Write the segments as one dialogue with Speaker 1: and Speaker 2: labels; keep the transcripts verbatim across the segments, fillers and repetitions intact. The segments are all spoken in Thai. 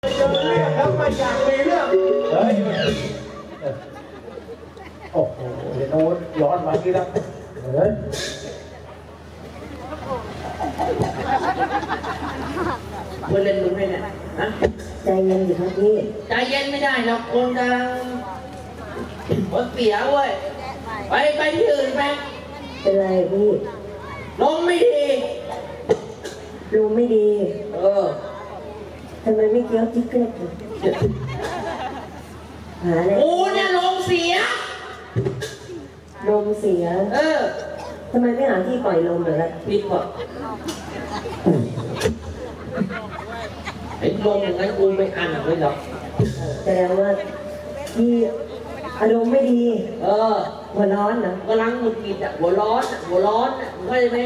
Speaker 1: เจอเรื่องแล้วมาอยากมีเรื่องเฮ้ยโอ้โหเดี๋ยวโน้ตย้อนมาที่แล้วเฮ้ยเพื่อนเล่นมึงให้เนี่ยนะ
Speaker 2: ใจเย็นอยู่ครับพี่
Speaker 1: ใจเย็นไม่ได้หรอกคนกำลังคนเสียเว้ยไปไปที่อื่นไป
Speaker 2: เป็นไรพี่
Speaker 1: ลมไม่ดี
Speaker 2: ลมไม่ดี
Speaker 1: เออ
Speaker 2: ทำไมไม่เกี้ยวจิ๊กเกอร์หาอะไร
Speaker 1: โอ้เนี่ยลมเสีย
Speaker 2: ลมเสีย
Speaker 1: เออ
Speaker 2: ทำไมไม่หาที่ปล่อยลมเลยล่ะ
Speaker 1: ผิดหมดไอ้ลมอย่างนั้นกูไม่อันเลยหรอก
Speaker 2: แสดงว่าพี่อารมณ์ไม่ดี
Speaker 1: เออ
Speaker 2: หัวร้อนนะ
Speaker 1: กำลังหงุดหงิดอ่ะหัวร้อนอ่ะหัวร้อนอ่ะเข้าใจไหม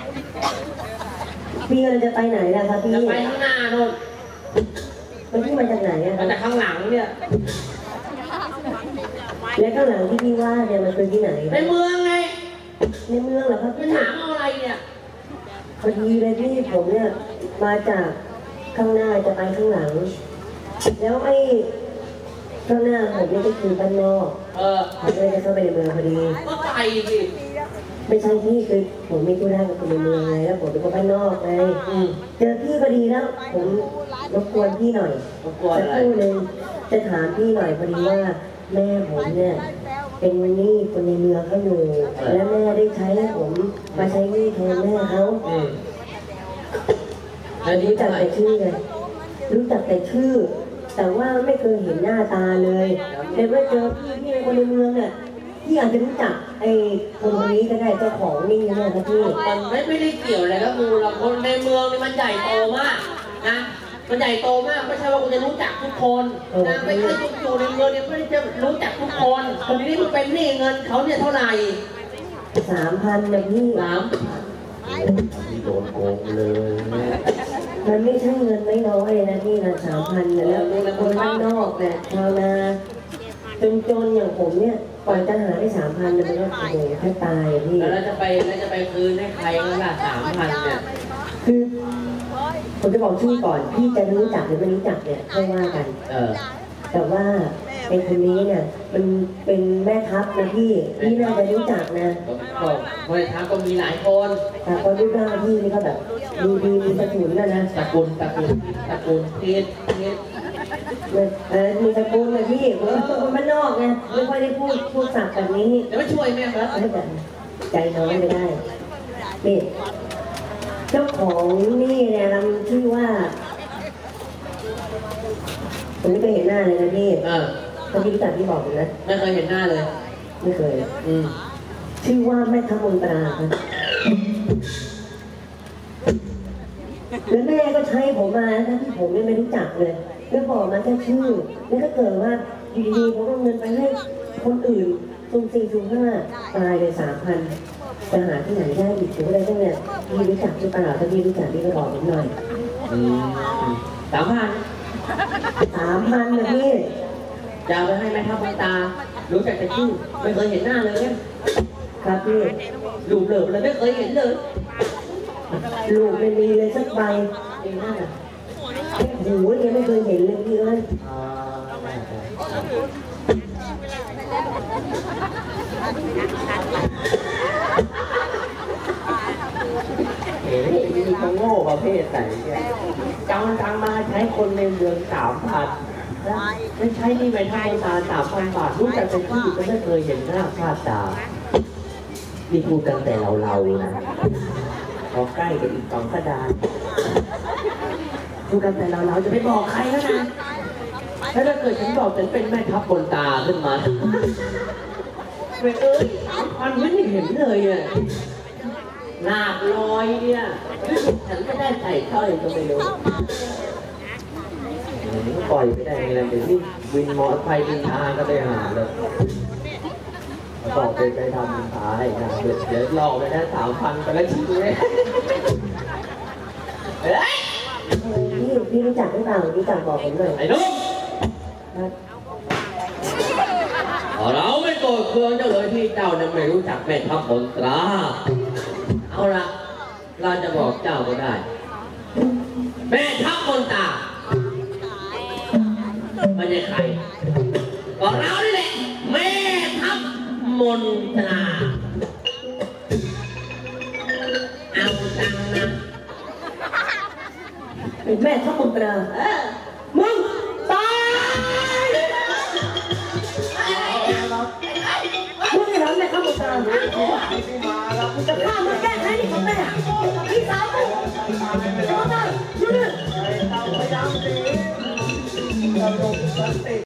Speaker 2: พี่กำลังจะไปไหนล่ะครับพี่
Speaker 1: จะไปข้างหน้าโน่น
Speaker 2: มันพี่มาจากไหนอ่ะ
Speaker 1: มาจากข้างหลังเนี่ย
Speaker 2: และข้างหลังที่พี่ว่าเนี่ยมันคือที่ไหน
Speaker 1: ในเมืองไง
Speaker 2: ในเมืองเหรอครับ
Speaker 1: พี่ถามเอาอะไรเนี่ย
Speaker 2: พอดีเลยพี่ผมเนี่ยมาจากข้างหน้าจะไปข้างหลังแล้วไอ้ข้างหน้าผมนี่ก็คือบ้านนอก
Speaker 1: เออ
Speaker 2: ผมเลยจะเข้าไปในเมืองพอดี
Speaker 1: ก็ไปสิ
Speaker 2: ไม่ใช่พี่คือผมไม่ธุระกับคนในเมืองไงแล้วผมเป็นคนบ้านนอกไงเจอพี่พอดีแล้วผมรบกวนพี่หน่อย
Speaker 1: รบกวนอะไร
Speaker 2: สักครู่นึงจะถามพี่หน่อยพอดีว่าแม่ผมเนี่ยเป็นหนี้คนในเมืองเขาอยู่และแม่ได้ใช้ผมมาใช้หนี้แทนแม่เขารู้จักแต่ชื่อไงรู้จักแต่ชื่อแต่ว่าไม่เคยเห็นหน้าตาเลยแต่เมื่อเจอพี่พี่คนในเมืองเนี่ยพี่อาจจะรู้จักไอ้คนคนนี้ก็ได้เจ้าของนี่เนี่ยนะพี่
Speaker 1: มันไม่ไม่ได้เกี่ยวอะไรกับมูเราคนในเมืองนี่มันใหญ่โตมากนะมันใหญ่โตมากไม่ใช่ว่าคุณจะรู้จักทุกคนนะไม่ใช่ทุกอยู่ในเมืองเนี่ยไม่ได้จะรู้จักทุกคนคนนี้มันเป็นหนี้เงินเขาเนี่ยเท่าไหร่
Speaker 2: สามพันนะพี่
Speaker 1: สามโดนโกงเลย
Speaker 2: มันไม่ใช่เงินไม่น้อยนะพี่นะสามพันแล้วคนข้างนอกเนี่ยชาวนาจนจนอย่างผมเนี่ยก่อนจะหาได้สามพันมันก็โอ้โหแค่ตายพี่
Speaker 1: แล้วจะไปแล้วจะไปคืนให้ใครกันล่ะสามพันเนี่ย
Speaker 2: คือผมจะบอกชื่อก่อนพี่จะรู้จักหรือไม่รู้จักเนี่ยค่อยว่ากัน
Speaker 1: เออ
Speaker 2: แต่ว่าไอ้คนนี้เนี่ยมันเป็นแม่ทัพนะพี่พี่น่าจะรู้จักนะ
Speaker 1: ก็แม่ทัพก็มีหลายคน
Speaker 2: แต่คนรูปร่างพี่นี่ก็แบบดูดีมีตระกูลนะนะ
Speaker 1: ตระกูลตระกูลตระกูลเทียนเทียน
Speaker 2: เออมีตระกูลเลยพี่ผมเป็นคนบ้านนอกไงไม่ค่อยได้พูดพูดศัพท์แบบนี้
Speaker 1: จะไม่ช่วยแม่ครับ
Speaker 2: ใจน้อยไม่ได้นี่เจ้าของนี่เนี่ยเราชื่อว่าผมไม่เคยเห็นหน้าเลยนะพี่ตอนที่รู้จักพี่บอกเลยนะ
Speaker 1: ไม่เคยเห็นหน้าเลย
Speaker 2: ไม่เคย
Speaker 1: อืม
Speaker 2: ชื่อว่าแม่ทัพมนตราครับแล้วแม่ก็ใช้ผมมาทั้งที่ผมไม่รู้จักเลยแล้วบอกมาแค่ชื่อแล้วก็เกิดว่าอยู่ดีๆผมเอาเงินไปให้คนอื่นซุ่มสี่ซุ่มห้าตายเลยสามพันจะหาที่ไหนได้อีกถึงอะไรตั้งเนี่ยพี่รู้จักหรือเปล่าถ้าพี่รู้จักพี่ก็บอกผมหน่อย
Speaker 1: สามพัน
Speaker 2: สามพันนะพี่
Speaker 1: จะเอาไปให้แม่ทัพมนตรารู้จักแต่ชื่อไม่เคยเห็นหน้าเลยเนี่ย
Speaker 2: ครับพี่
Speaker 1: ลูกเหลิบเลยไม่เคยเห็นเลย
Speaker 2: ลูกไม่มีเลยสักใบเองน่าหูยังไม่เคยเห็นเลยพี่เอ้ย
Speaker 1: เอ๋นี่เขาโง่ประเภทไหนเนี่ยจ้างจ้างมาใช้คนในเมืองสามพันไม่ใช่นี่ไม่ใช่ตาสามพันบาทรู้จักเป็นที่ก็ไม่เคยเห็นหน้าค่าตานี่พูดกันแต่เราเรานะพอใกล้กันอีกสองกระดานพูดกันแต่เราเราจะไม่บอกใครแล้วนะถ้าเกิดฉันบอกฉันเป็นแม่ทัพบนตาขึ้นมาเว้ยเอ้ยพันไม่เห็นเลยอ่ะหน้าลอยเนี่ยฉันไม่ได้ใส่สร้อยก็ไม่รู้ปล่อยไม่ได้ไงล่ะเดี๋ยวนี้วินมอเตอร์ไซค์วินทางก็ไปหาเลยบอกไปไปทำขายนะเดี๋ยวเดี๋ยวหลอกไปได้สามพันไปแล้วชิ้นเลยเฮ้ย
Speaker 2: พี่พี่รู้จักหรือเปล่ารู้จักบอกผมหน่อย
Speaker 1: ไอ้นุ่มเราไม่โกรธเคืองเจ้าเลยที่เจ้านั้นไม่รู้จักแม่ทัพมนตราเอาละเราจะบอกเจ้าก็ได้แม่ทัพมนตราไม่ใช่ใครก็เรานี่แหละแม่ทัพมนตราเอาจังนะ
Speaker 2: เป็นแม่ทัพมนตรามึงตายมึงจะทำแม่ทัพมนตรามึงจะฆ่ามึงแก้แค้นที่ของแม่พี่สาวมึงจะมาได้ช่วยด้วย